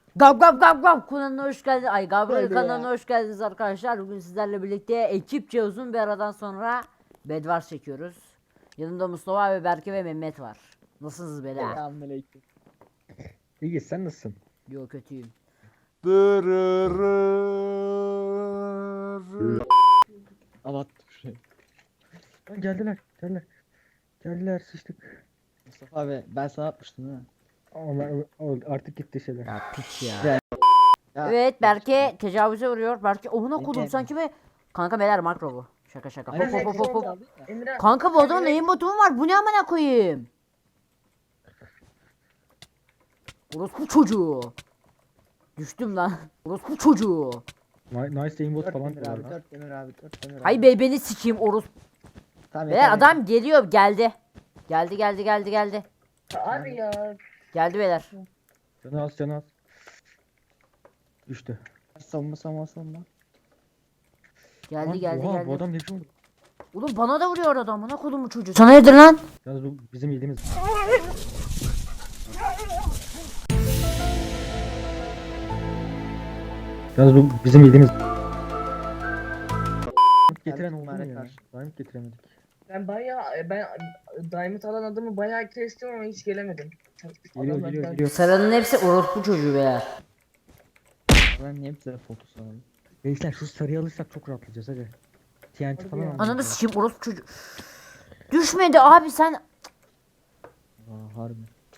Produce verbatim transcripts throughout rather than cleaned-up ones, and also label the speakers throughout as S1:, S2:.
S1: Gab gab gab gab kanalına hoş geldiniz. Ay Gabriel
S2: Hadi
S1: kanalına
S2: ya.
S1: hoş geldiniz arkadaşlar. Bugün sizlerle birlikte ekipçe uzun bir aradan sonra Bedwars çekiyoruz. Yanımda Mustafa ve Berke ve Mehmet var. Nasılsınız beyler?
S2: Selamünaleyküm. İyi, sen nasılsın?
S1: Yo kötüyüm.
S2: Avat şuraya. Lan geldiler, geldiler. Geldiler, sıçtık.
S3: Mustafa abi ben sana atmıştım değil mi?
S2: Ama o- artık gitti şeyler.
S1: Ya piç ya.
S3: Ya, ya,
S1: Evet Berke tecavüze uğruyor. Berke omuna kodum
S3: Emre.
S1: sanki be. Kanka beyler makro bu. Şaka şaka. Hop
S3: Aynen.
S1: hop hop hop hop.
S4: Emre,
S1: Kanka bu adamın neyin botu mu var? Bu ne amına koyayım? Orospu çocuğu. Düştüm lan. Orospu çocuğu.
S2: Ni- Nice aimbot
S3: Dört
S2: falan
S3: demir
S2: diyorlar
S3: abi,
S2: lan.
S3: dört demir abi, dört demir abi.
S1: Hay be beni sikeyim orospu.
S3: Tamam,
S1: Beyler
S3: yeter,
S1: adam geliyor geldi. Geldi geldi geldi geldi.
S4: abi ya.
S1: Geldi beyler.
S2: Canı az, canı az. Düştü.
S3: yeter. Savunma savunma savunma.
S1: Geldi
S2: Lan,
S1: geldi
S2: oha,
S1: geldi.
S2: bu adam ne biçim oldu?
S1: Oğlum bana da vuruyor adam. Bana kodumu çocuğu. Sana nedir lan?
S2: Yalnız bu bizim yediğimiz. Yalnız bu bizim yediğimiz. Getiren oldu mu
S3: Mübarek
S2: ya?
S3: karşı.
S2: Diamond getiremedik.
S4: Ben bayağı ben Diamond alan adamı bayağı kestim ama hiç gelemedim.
S2: Geliyor,
S4: Adamlar
S2: geliyor,
S4: geldi.
S2: geliyor.
S1: Sarının hepsi orospu çocuğu beyler.
S3: Ben niye bize fotosu alalım?
S2: Gençler şu sarıyı alırsak çok rahatlayacağız hadi. T N T falan
S4: ya.
S2: alacağız.
S1: Ananı sikeyim orospu çocuğu. Düşmedi abi sen.
S3: Aa harbi.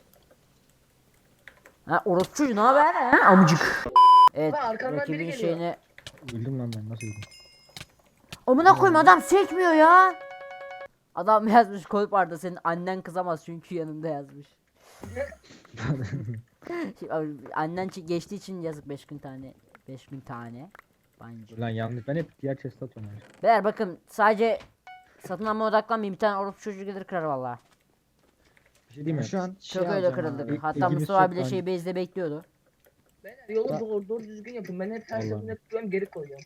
S1: Ha orospu çocuğu ne haber ha amcık. Evet
S4: Lan arkamdan biri
S1: rakibin
S4: geliyor.
S1: şeyini.
S2: Öldüm lan ben, nasıl öldüm?
S1: Amına koyayım adam sekmiyor ya. Adam yazmış koyup Arda senin annen kızamaz çünkü yanında yazmış. Şimdi abi, annen çi- geçtiği için yazık beş gün tane. beş gün tane. Bence.
S2: Lan yanlış, ben hep diğer chest'e atıyorum yani.
S1: Beyler bakın sadece satın alma odaklanmayın bir tane orospu çocuğu gelir kırar valla.
S2: Bir şey diyeyim mi?
S3: Şu an şey
S1: Çok öyle
S3: alacağım
S1: kırıldık.
S3: abi.
S1: Hatta
S2: İlgimiz
S1: Mustafa
S2: çok
S1: abi de
S2: lan.
S1: şey base'de bekliyordu.
S4: Beyler yolu doğru, doğru düzgün yapın. Ben hep her
S2: Allah'ım.
S4: seferinde tutuyorum geri koyuyorum.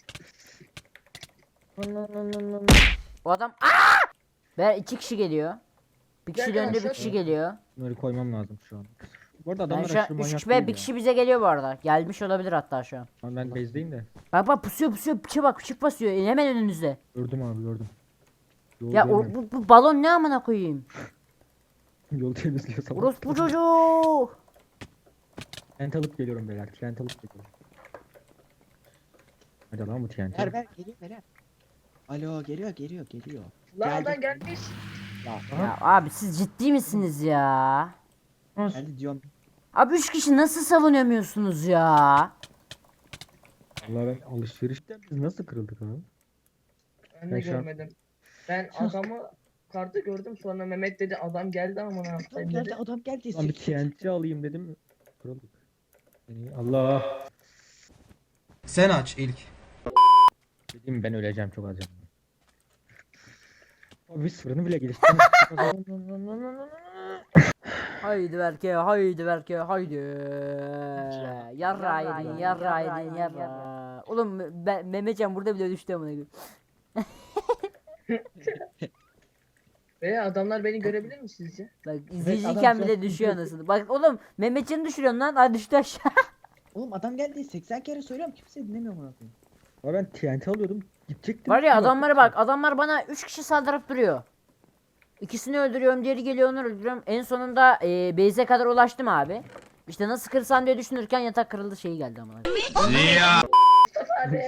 S1: O adam Aa! Beyler iki kişi geliyor. Bir kişi
S4: Gel,
S1: döndü bir
S4: gel,
S1: kişi
S4: gel.
S1: geliyor.
S2: Bunları koymam lazım şu an. Bu arada
S1: Ben
S2: adamlar
S1: şu an
S2: aşırı
S1: üç
S2: manyak
S1: kişi ve
S2: değil
S1: bir
S2: ya.
S1: kişi bize geliyor bu arada. Gelmiş olabilir hatta şu an.
S2: Ama ben base'deyim de.
S1: Bak bak pusuyor pusuyor piçe bak piçik basıyor hemen önünüzde.
S2: Gördüm abi, gördüm. Yol
S1: Ya o,
S2: görmüyorum.
S1: bu, bu balon ne amına koyayım?
S2: Yol temizliyor sabah.
S1: Orospu çocuğu.
S2: Trent alıp geliyorum beyler. Trent alıp geliyorum. Hadi lan bu T N T.
S3: Ver ver geliyor ver. Alo geliyor geliyor geliyor.
S4: Lan
S3: Geldi.
S4: adam gelmiş.
S1: Ya abi siz ciddi misiniz ya?
S3: Geldi diyorum.
S1: Abi üç kişi nasıl savunamıyorsunuz ya?
S2: Allah, ben alışverişten biz nasıl kırıldık abi?
S4: Ben
S2: Ben
S4: de
S2: şu an-
S4: görmedim. Ben adamı kartı gördüm sonra Mehmet dedi adam geldi ama ne
S3: Adam
S4: yapayım
S3: geldi
S4: dedi.
S3: adam geldi.
S2: Lan bir T N T alayım dedim. Kırıldık. Yani Allah.
S5: Sen aç ilk.
S2: Dedim ben öleceğim çok az canım. Abi biz fırını bile geliştirdik.
S1: Haydi Berke haydi Berke haydi. Yarra yedin yarra yedin yarra. Oğlum Me- Mehmetcan burada bile düştü amına koyayım.
S4: Veya adamlar beni görebilir mi sizce?
S1: Bak izleyiciyken
S3: adam
S1: bile
S3: çok
S1: düşüyor anasını. Bak oğlum Mehmetcan'ı düşürüyorsun lan. Hadi düştü aşağı.
S3: Oğlum adam geldi seksen kere söylüyorum kimse dinlemiyor bunu.
S2: Ama ben T N T alıyordum. Gidecektim.
S1: Var ya
S2: Yok.
S1: adamlara bak. Adamlar bana üç kişi saldırıp duruyor. İkisini öldürüyorum, diğeri geliyor onu öldürüyorum. En sonunda e, base'e kadar ulaştım abi. İşte nasıl kırsam diye düşünürken yatak kırıldı şeyi geldi ama.
S4: Abi.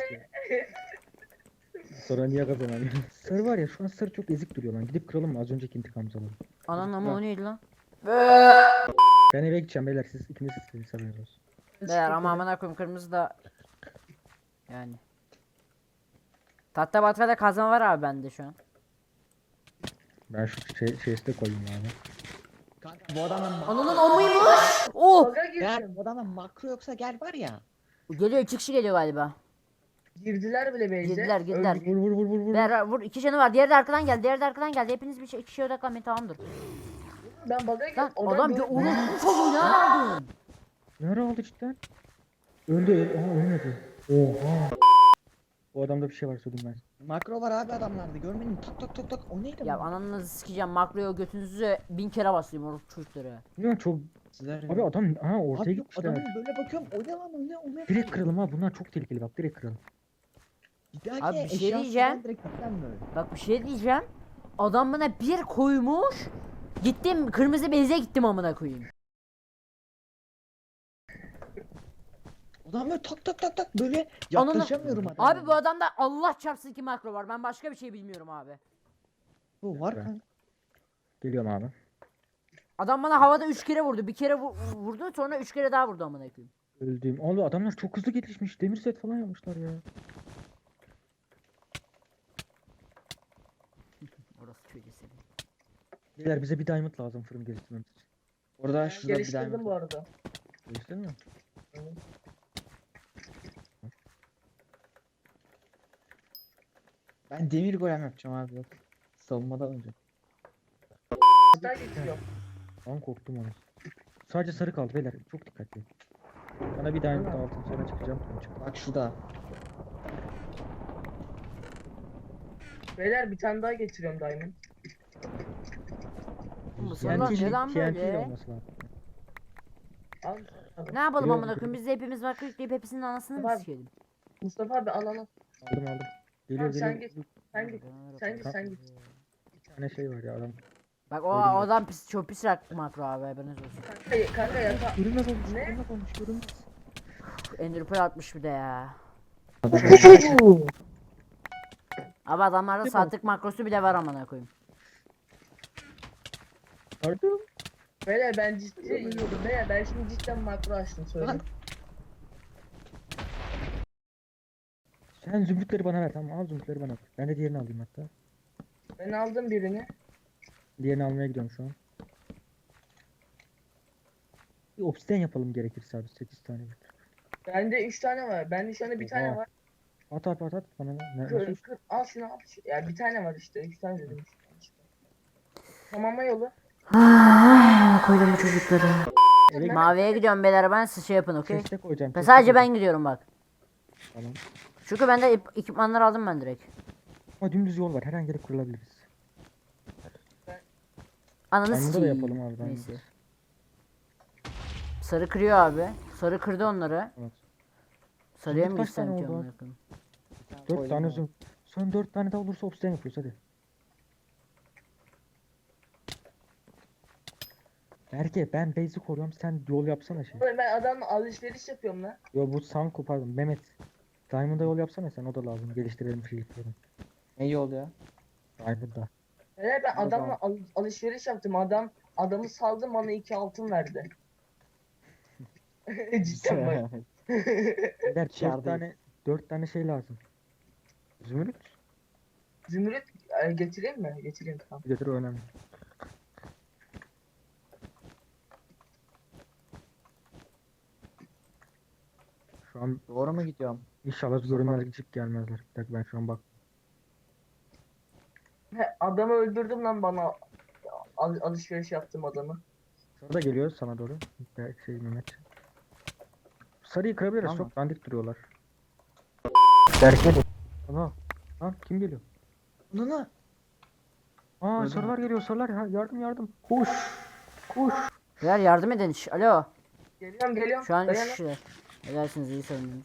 S2: Sonra niye kazanamıyor? Sarı var ya, şu an sarı çok ezik duruyor lan. Gidip kıralım mı? Az önceki intikamımızı alalım.
S1: Anan ama o neydi lan?
S2: Ben eve gideceğim beyler, siz ikiniz siz sarıyorsunuz olsun.
S1: Beyler ama amına koyayım kırmızı da yani. Tahta batrada kazma var abi bende şu an.
S2: Ben şu şey, şeysi koyayım yani.
S3: Kanka bu adamın ma-
S1: Ananın omuymuş. Oh!
S4: Baga
S3: gel
S4: girdim.
S3: bu adamın makro yoksa gel var ya.
S1: Geliyor iki kişi geliyor galiba.
S4: Girdiler bile base'e.
S1: Girdiler girdiler.
S4: Öldük.
S2: Vur vur vur vur vur.
S1: Beyler vur iki canı var. Diğeri de arkadan geldi. Diğeri de arkadan geldi. Hepiniz bir şey, iki kişiye odaklanmayın tamamdır.
S4: Ben baga girdim.
S1: Lan adam
S4: gördü.
S1: gö oğlum bu çocuğu ne aldın?
S2: Nerede oldu cidden? Öldü. öl- Aha ölmedi. Oha. O adamda bir şey var, söyleyeyim ben.
S3: Makro var abi adamlarda görmedin mi? Tok tok tok tok o neydi
S1: Ya
S3: bu?
S1: ananızı sikeceğim makroya götünüzü bin kere basayım oruç çocukları.
S2: Bilmiyorum, çok
S3: Gittiler ya.
S2: Abi adam ha ortaya
S3: Abi yok,
S2: gitmişler.
S3: adamın böyle bakıyorum. O ne lan, o ne, o ne?
S2: Direkt kıralım ha, bunlar çok tehlikeli bak, direkt kıralım.
S3: Bir dahaki
S1: Abi bir şey
S3: eşyasından
S1: diyeceğim.
S3: direkt gitmem böyle.
S1: Bak bir şey diyeceğim. Adam bana bir koymuş. Gittim kırmızı beze gittim amına koyayım.
S3: Adam böyle tak tak tak tak böyle
S1: Ananı-
S3: yaklaşamıyorum adama.
S1: Abi bu adamda Allah çarpsın ki makro var. Ben başka bir şey bilmiyorum abi.
S3: Bu var
S2: Evet.
S3: kanka.
S2: Geliyorum abi.
S1: Adam bana havada üç kere vurdu. Bir kere vu- vurdu sonra üç kere daha vurdu amına koyayım.
S2: Öldüğüm. Oğlum adamlar çok hızlı gelişmiş. Demir set falan yapmışlar ya.
S1: Orası çocuğu seni.
S2: Beyler bize bir diamond lazım fırın geliştirmemiz için.
S3: Orada
S4: Ben
S3: şurada bir
S4: geliştirdim
S3: diamond
S4: bu
S3: var.
S4: arada.
S2: Geliştirdin mi?
S4: Evet.
S3: Ben demir golem yapacağım abi, yok. Savunmadan önce.
S4: Hatta getiriyorum.
S2: Lan korktum onu. Sadece sarı kaldı beyler. Çok dikkatli. Bana bir diamond
S4: Tamam.
S2: altın sonra çıkacağım. Sonra çık.
S3: Bak şurada.
S4: Beyler bir tane daha getiriyorum Diamond.
S1: Bu sorular
S2: T N T
S1: neden
S2: T N T ile
S1: böyle?
S2: olması lazım.
S4: Al.
S1: Ne yapalım
S2: Yok,
S1: amına
S2: yok.
S1: koyayım? Biz de hepimiz var yükleyip hepsinin anasını mı
S4: Var.
S1: sikelim?
S4: Mustafa abi al al al.
S2: Aldım aldım. Geliyor
S4: Tamam, sen
S2: geliyor.
S4: git. Sen git. Sen git sen git.
S2: Bir tane şey var ya adam.
S1: Bak o,
S2: Öyle
S1: o
S2: mi?
S1: adam pis, çok pis rak makro abi haberiniz olsun.
S4: Kanka, kanka yata.
S2: Görünmez olmuş.
S4: Ne?
S2: Görünmez olmuş. Görünmez.
S1: Ender Pearl atmış bir de ya. Abi adamlarda
S2: Değil mi?
S1: saatlik makrosu bile var amına koyayım.
S2: Pardon.
S4: Beyler ben ciddi yiyordum. Beyler ben şimdi cidden makro açtım söyleyeyim.
S2: Sen zümrütleri bana ver, tamam, al zümrütleri bana ver. Ben de diğerini alayım hatta.
S4: Ben aldım birini.
S2: Diğerini almaya gidiyorum şu an. Bir obsidian yapalım gerekirse abi, sekiz tane getir.
S4: Bende üç tane var. Bende şu anda bir tane
S2: Oha.
S4: var.
S2: At at at at bana ne? ne-
S4: Kır,
S2: Nasıl?
S4: kır, al şunu al. Ya bir tane var işte. Üç tane dedim. Tamamla yolu.
S1: Koydum bu çocukları.
S2: Eve
S1: Maviye gidiyorum beyler ben siz şey yapın okey.
S2: chest'e koyacağım.
S1: Ben
S2: chest'e
S1: sadece
S2: koyacağım.
S1: ben gidiyorum bak.
S2: Tamam.
S1: Çünkü bende ip- ekipmanları aldım ben direkt.
S2: Ama dümdüz yol var, her an gelip kırılabiliriz.
S1: Ananı
S2: Diamond'da da
S1: sikeyim.
S2: yapalım abi, diamond.
S1: Neyse. Sarı kırıyor abi. Sarı kırdı onları.
S2: Evet.
S1: Sarıya mı
S2: Zümrüt kaç
S1: gitsem
S2: tane
S1: ki
S2: oldu
S1: amına
S2: abi?
S1: koyayım?
S2: Dört
S3: Koydum
S2: tane
S3: abi.
S2: zümrüt. Son dört tane daha olursa obsidian yapıyoruz hadi. Berke ben base'i koruyorum, sen yol yapsana şey.
S4: Oğlum ben adamla alışveriş yapıyorum lan.
S2: Yo bu Sanko pardon Mehmet. Diamond'a yol yapsana sen, o da lazım, geliştirelim şeylikleri.
S3: Ne yol ya?
S2: Diamond'da.
S4: Beyler ben
S3: O
S4: adamla
S3: zaman-
S4: al- alışveriş yaptım. Adam adamı saldım bana iki altın verdi. Cidden bak.
S2: Beyler dört
S3: Kârdayız.
S2: tane dört tane şey lazım. Zümrüt
S4: Zümrüt e, getireyim mi? Getireyim tamam.
S2: getir, o önemli. Şu an
S3: Doğru mu gidiyorum?
S2: inşallah görünmezlik gelmezler. Bir dakika ben şu an bak.
S4: He, adamı öldürdüm lan bana. Al- alışveriş yaptım adamı.
S2: Sarı da geliyor sana doğru. Belki şey Mehmet. Sarıyı kırabiliriz,
S3: Tamam.
S2: çok dandik duruyorlar. Berke de. Ana. Lan kim geliyor?
S3: Bunu
S2: Aa
S3: Öldü
S2: sarılar geliyor, sarılar, ha, yardım yardım. Koş. Koş.
S1: Beyler yardım edin. Şş, alo.
S4: Geliyorum geliyorum.
S1: Şu an üç
S4: Dayanın.
S1: kişiler. Edersiniz iyi savundunuz.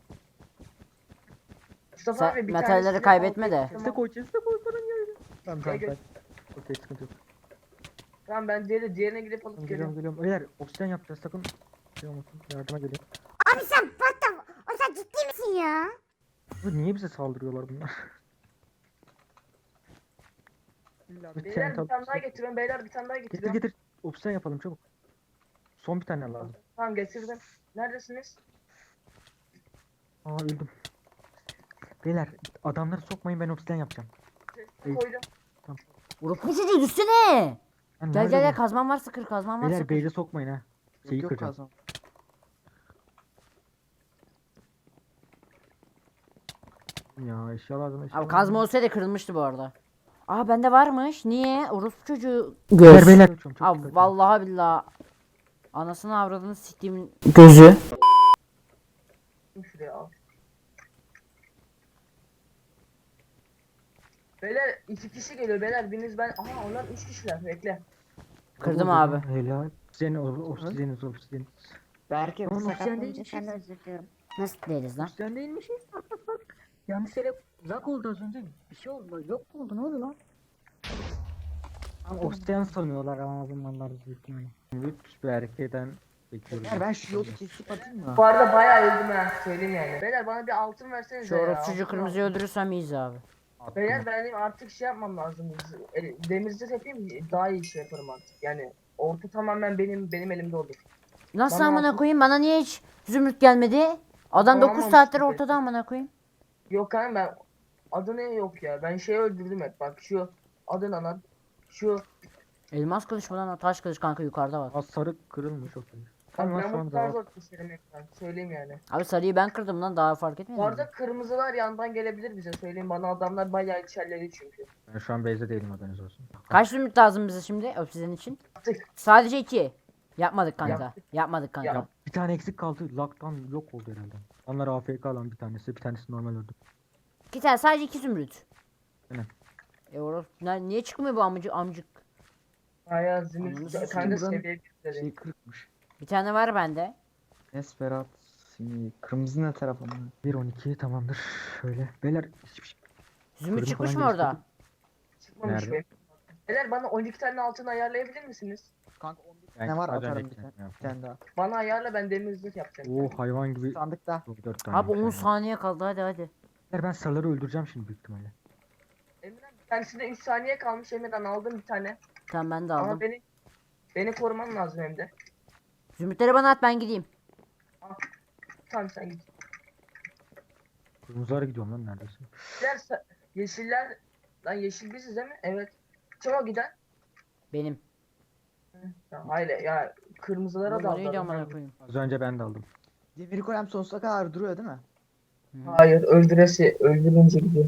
S4: Mustafa
S1: Sen
S4: abi bir
S1: metalleri
S4: tanesini
S1: kaybetme
S4: al-
S1: de.
S2: Chest'e koy, chest'e koy, paran geldi. Tamam tamam
S4: Gel,
S2: ben. Okey sıkıntı yok.
S4: Tamam ben diğeri, diğerine gidip alıp
S2: Tamam,
S4: geliyorum.
S2: geliyorum geliyorum. Beyler obsidian yapacağız, sakın. Şey olmasın, yardıma gelin.
S6: Abi sen what the... O sen ciddi misin ya?
S2: Bu niye bize saldırıyorlar bunlar? İlla bir
S4: Beyler
S2: tane
S4: bir tane daha
S2: tab-
S4: getiriyorum. Beyler bir tane daha
S2: Getir
S4: getiriyorum.
S2: getir. Obsidian yapalım çabuk. Son bir tane lazım.
S4: Tamam getirdim. Neredesiniz?
S2: Aa öldüm. Beyler adamları sokmayın, ben obsidian yapacağım.
S4: Sesini koydum.
S1: Vurup bu çocuğu düşsene.
S2: Lan
S1: Gel
S2: nerede
S1: gel gel
S2: bu?
S1: kazman varsa kır kazman varsa
S2: Beyler
S1: kır.
S2: base'e sokmayın ha. Şeyi
S3: yok
S2: kıracağım.
S3: kazan.
S2: Ya eşya lazım, eşya
S1: Abi
S2: lazım.
S1: kazma olsaydı kırılmıştı bu arada. Aa bende varmış. Niye? Orospu çocuğu.
S2: Beyler
S1: Göz.
S2: beyler çok çok
S1: Abi
S2: dikkatli.
S1: vallahi billahi. Anasını avradını siktiğimin gözü.
S4: Şuraya al. Beyler iki kişi geliyor beyler. Biriniz ben. Aha onlar üç kişiler. Bekle.
S1: Kırdım
S2: Bravo,
S1: abi.
S2: Helal. Obsidian, obsidian, obsidian.
S3: Berke
S2: Tamam,
S3: sakat
S2: sen
S3: olunca
S2: değil.
S3: sen de özür diliyorum.
S1: Nasıl değiliz lan?
S2: Obsidian değilmiş. Yanlış yere uzak oldu az önce. Bir şey oldu. Yok mu oldu? Ne oldu lan? Ama obsidian sanıyorlar ama bunlar büyük ihtimalle. Üç bir erkeğden bekliyorum.
S3: Beyler ben şu yolu kesip atayım mı?
S4: Bu arada bayağı öldüm ha söyleyeyim yani. Beyler bana bir altın versenize
S1: Şu
S4: ya.
S1: orospucu
S4: altın
S1: kırmızıyı
S4: lazım.
S1: öldürürsem iyiyiz abi.
S4: Beyler benim artık şey yapmam lazım. E, Demirci yapayım daha iyi şey yaparım artık. Yani orta tamamen benim benim elimde olur.
S1: Nasıl
S4: Bana
S1: amına
S4: altın-
S1: koyayım? Bana niye hiç zümrüt gelmedi? Adam dokuz
S4: Olamamış
S1: saattir
S4: gibi.
S1: ortada amına koyayım.
S4: Yok kanka ben adı ne yok ya. Ben şey öldürdüm hep bak şu adı ne lan? Şu
S1: Elmas kılıç mı lan o taş kılıç kanka yukarıda var.
S2: Az sarı kırılmış o kılıç.
S4: bak
S2: Tamam
S4: ben
S2: şu
S4: bu
S2: anda
S4: kadar
S2: var.
S4: zor keserim hep ben. Söyleyeyim yani.
S1: Abi sarıyı ben kırdım lan daha fark
S4: Bu
S1: etmedin mi?
S4: arada kırmızılar yandan gelebilir bize söyleyeyim bana adamlar bayağı içerleri çünkü.
S2: Ben şu an base'de değilim haberiniz olsun.
S1: Kaç zümrüt lazım bize şimdi obsidian için?
S4: Yaptık.
S1: Sadece iki. Yapmadık kanka.
S4: Yaptık.
S1: Yapmadık kanka.
S4: Yap.
S2: Bir tane eksik kaldı. Lock'tan yok oldu herhalde. Onlar A F K lan bir tanesi. Bir tanesi normal öldü.
S1: İki tane sadece iki zümrüt.
S2: Aynen.
S1: E oros ne- niye çıkmıyor bu amcık amcık?
S4: Bayağı
S1: Ananı
S4: zümrüt
S1: sikeyim
S4: kanka
S3: buranın
S4: seviye bir
S3: Şey kırıkmış.
S1: Bir tane var bende.
S3: Nesferat. Şimdi kırmızı ne taraf ama?
S2: bir on iki tamamdır. Şöyle. Beyler hiçbir şey.
S1: Zümrüt
S2: Kırdım
S1: çıkmış
S2: falan
S1: mı orada?
S2: geliştirdim.
S4: çıkmamış
S2: Nerede?
S4: benim. Beyler bana on iki tane altın ayarlayabilir misiniz?
S3: Kanka on bir
S2: Ben
S3: tane var
S2: az önce
S3: atarım bir
S2: gittim
S3: tane.
S2: ya.
S3: Bir tane daha.
S4: Bana ayarla ben demircilik yapacağım.
S2: Oo hayvan gibi.
S3: Sandıkta.
S2: dört tane.
S1: Abi on
S2: yani.
S1: saniye kaldı hadi hadi.
S2: Beyler, ben sarıları öldüreceğim şimdi büyük ihtimalle.
S4: Emirhan bir tanesinde üç saniye kalmış Emirhan aldım bir tane.
S1: Tamam ben de
S4: Ama
S1: aldım.
S4: beni beni koruman lazım hem de.
S1: Zümrütleri bana at ben gideyim.
S4: Tamam sen git.
S2: Kırmızılara gidiyorum lan neredeyse.
S4: Yeşiller, sa- yeşiller lan yeşil biziz değil mi? Evet. Kim o giden?
S1: Benim.
S4: Ya, hayır ya kırmızılara
S1: Oğlum
S4: da
S1: o neydi
S4: aldım.
S1: amına koyayım?
S2: Az önce ben de aldım.
S3: Demir golem sonsuza kadar duruyor değil mi?
S4: Hayır öldüresi öldürünce gidiyor.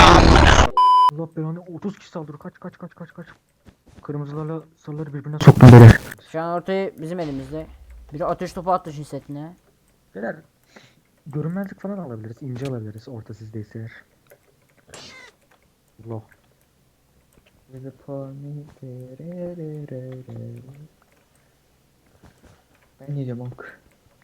S2: Allah belanı otuz kişi saldırı kaç kaç kaç kaç kaç. Kırmızılarla sarıları birbirine soktum böyle.
S1: Şu an ortaya bizim elimizde. Biri ateş topu attı şimdi setine.
S2: Beyler görünmezlik falan alabiliriz. İnce alabiliriz orta sizdeyse eğer. Allah.
S3: Ben ne diyorum ok.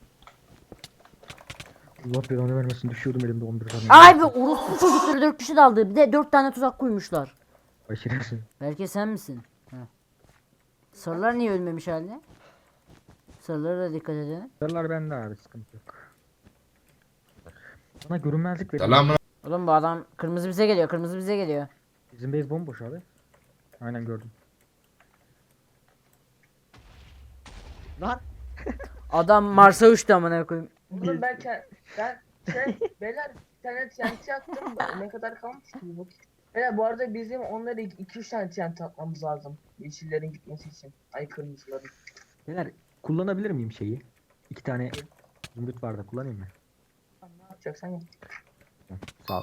S2: Allah belanı vermesin düşüyordum elimde on bir tane.
S1: Abi orospu çocukları dört kişi daldı. Bir de dört tane tuzak koymuşlar.
S2: Ay şerefsiz.
S1: Belki sen misin? Heh. Sarılar niye ölmemiş haline? Sarılara da dikkat edin.
S2: Sarılar bende abi sıkıntı yok. Bana görünmezlik verin.
S1: Oğlum bu adam kırmızı bize geliyor. Kırmızı bize geliyor.
S2: Bizim base bomboş abi. Aynen gördüm.
S3: Lan
S1: Adam Mars'a uçtu amına koyayım.
S4: Oğlum ben ke- ben şey beyler bir tane T N T attım da ne kadar kalmış ki bu? Beyler bu arada bizim onları iki üç tane T N T atmamız lazım. Yeşillerin gitmesi için. Ay kırmızıların.
S2: Beyler kullanabilir miyim şeyi? İki tane zümrüt var da kullanayım mı?
S4: Tamam, ne yapacaksan yap.
S2: Sağ ol.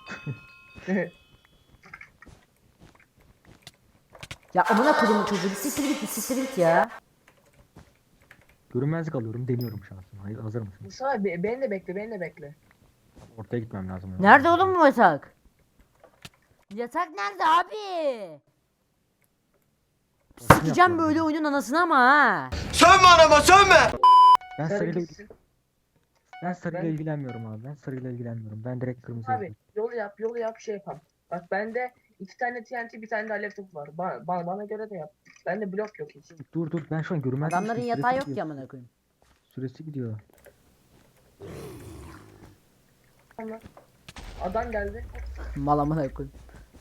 S1: Ya amına koyduğum çocuğu. Bir siktir git bir siktir git ya.
S2: Görünmezlik alıyorum deniyorum şansım. Hayır hazır mısın?
S4: Musa be, beni de bekle beni de bekle.
S2: Ortaya gitmem lazım.
S1: Nerede oğlum bu yatak? Yatak nerede abi? Sikeceğim böyle oyunun anasını ama ha.
S2: Ben
S4: Sarı
S2: sarıyla,
S4: gitsin.
S2: ben sarıyla
S4: Ben-
S2: ilgilenmiyorum abi. Ben sarıyla ilgilenmiyorum. Ben direkt kırmızı
S4: Abi yol yap yol yap şey yapalım. Bak bende iki tane T N T bir tane de alev topu var. Bana, bana, bana göre de yap. Bende blok yok hiç.
S2: Dur dur ben şu an görünmezlik
S1: Adamların
S2: süresi
S1: yatağı yok
S2: gidiyor.
S1: ki amına koyayım.
S2: Süresi gidiyor.
S4: Tamam. Adam geldi.
S1: Mal amına koyayım.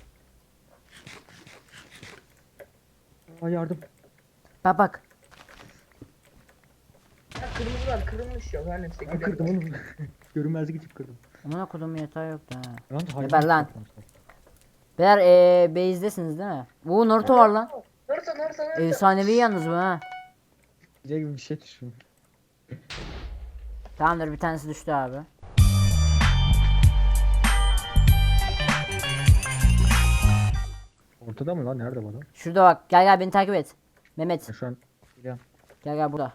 S2: Aa yardım.
S1: Bak bak.
S4: Ya kırmızılar kırılmış yok. Her neyse
S2: Ben
S4: gidelim.
S2: kırdım oğlum. Görünmezlik için kırdım.
S1: Amına koyduğum yatağı yoktu ha.
S2: Lan hayvan
S1: Geber lan.
S2: yapmışlar.
S1: Beyler eee base'desiniz değil mi? Oo Naruto var lan.
S4: Naruto Naruto Naruto.
S1: Efsanevi yalnız bu ha.
S3: gece gibi bir şey düşün.
S1: Tamamdır bir tanesi düştü abi.
S2: Ortada mı lan? Nerede bu adam?
S1: Şurada bak gel gel beni takip et. Mehmet
S2: Ben şu an
S1: gel gel burada.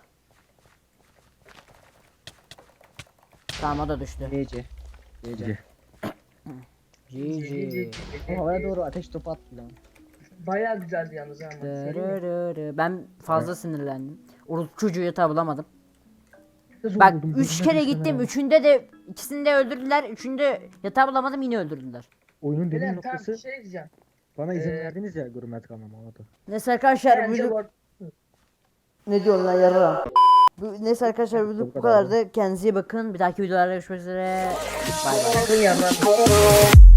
S1: Tamam o da düştü.
S3: Gece. Gece.
S2: Gece.
S1: G G.
S3: Ama havaya doğru ateş topu attı lan.
S4: Bayağı güzeldi yalnız ha. bak, söyleyeyim mi?
S1: Dırırırı. Ben fazla sinirlendim. O çocuğu yatağı bulamadım.
S2: Zor
S1: Bak
S2: buldum,
S1: üç
S2: gözüme
S1: kere
S2: düştü
S1: gittim.
S2: hemen.
S1: Üçünde de ikisini de öldürdüler. Üçünde yatağı bulamadım yine öldürdüler.
S2: Oyunun dediğim
S4: Beyler tamam
S2: noktası
S4: bir şey diyeceğim.
S2: bana izin
S4: Ee,
S2: verdiniz ya görünmez kalmama o da.
S1: Neyse arkadaşlar
S4: Bence
S1: bu
S4: bu ar-
S1: ne diyorsun lan yarra? Bu, neyse arkadaşlar bu,
S2: Bu
S1: bu
S2: kadardı.
S1: kadardı. Kendinize iyi bakın. Bir dahaki videolarda görüşmek üzere. Bay bay.
S4: Bakın yandan.